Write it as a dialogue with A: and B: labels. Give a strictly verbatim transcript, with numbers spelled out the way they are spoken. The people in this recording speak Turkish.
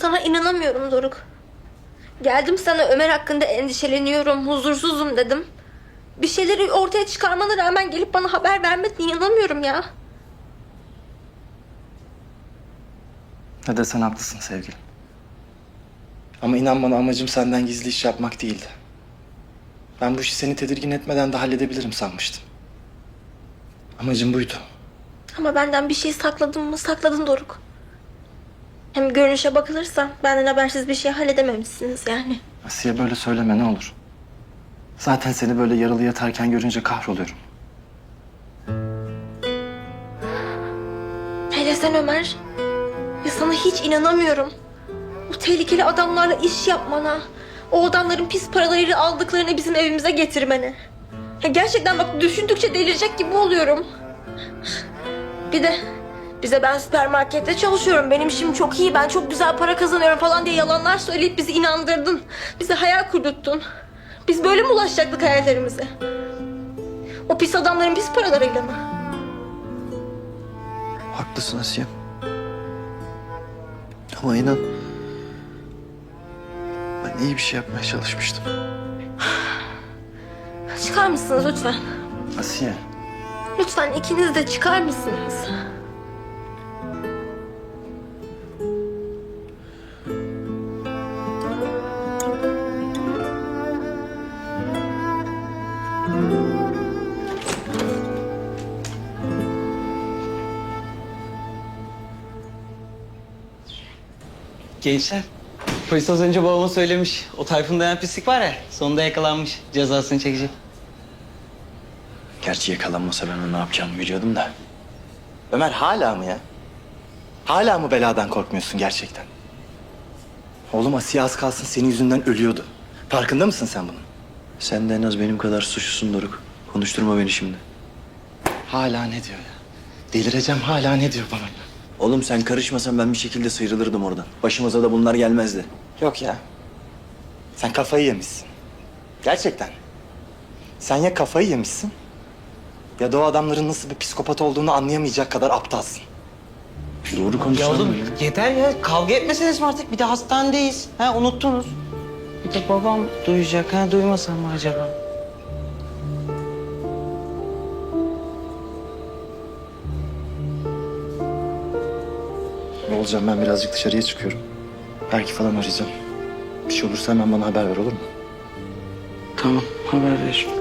A: Sana inanamıyorum Doruk. Geldim sana Ömer hakkında endişeleniyorum, huzursuzum dedim. Bir şeyleri ortaya çıkarmana rağmen gelip bana haber vermedin, inanamıyorum ya.
B: Ne desen haklısın sevgilim. Ama inan bana amacım senden gizli iş yapmak değildi. Ben bu işi seni tedirgin etmeden de halledebilirim sanmıştım. Amacım buydu.
A: Ama benden bir şey sakladın mı? Sakladın Doruk. Hem görünüşe bakılırsa benden habersiz bir şey halledememişsiniz yani.
B: Asiye böyle söyleme ne olur. Zaten seni böyle yaralı yatarken görünce kahroluyorum.
A: Hele sen Ömer. Ya sana hiç inanamıyorum. Bu tehlikeli adamlarla iş yapmana, o adamların pis paraları aldıklarını bizim evimize getirmene. Ya gerçekten bak düşündükçe delirecek gibi oluyorum. Bir de bize ben süpermarkette çalışıyorum, benim işim çok iyi, ben çok güzel para kazanıyorum falan diye yalanlar söyleyip bizi inandırdın. Bize hayal kurdurttun. Biz böyle mi ulaşacaktık hayallerimize? O pis adamların pis paralarıyla mı?
C: Haklısın Asiye. Ama inan... ben iyi bir şey yapmaya çalışmıştım.
A: Çıkar mısınız lütfen?
B: Asiye.
A: Lütfen ikiniz de çıkar mısınız?
D: Gençler, polis az önce babama söylemiş. O Tayfun denen pislik var ya, sonunda yakalanmış. Cezasını çekecek.
B: Gerçi yakalanmasa ben onu ne yapacağımı biliyordum da. Ömer hala mı ya? Hala mı beladan korkmuyorsun gerçekten? Oğlum Asiye az kalsın senin yüzünden ölüyordu. Farkında mısın sen bunun?
C: Sen de en az benim kadar suçlusun Doruk. Konuşturma beni şimdi.
B: Hala ne diyor ya? Delireceğim hala ne diyor bana?
C: Oğlum sen karışmasan ben bir şekilde sıyrılırdım oradan. Başımıza da bunlar gelmezdi.
B: Yok ya. Sen kafayı yemişsin. Gerçekten. Sen ya kafayı yemişsin ya da o adamların nasıl bir psikopat olduğunu anlayamayacak kadar aptalsın.
C: Doğru
D: Ya
C: konuşsana.
D: oğlum yeter ya, kavga etmeseniz mi artık? Bir de hastanedeyiz. Ha, unuttunuz. Bir de babam duyacak. Ha, duymasam mı acaba?
B: Ne olacağım ben birazcık dışarıya çıkıyorum. Belki falan arayacağım. Bir şey olursa hemen bana haber ver olur mu?
D: Tamam, haber ver.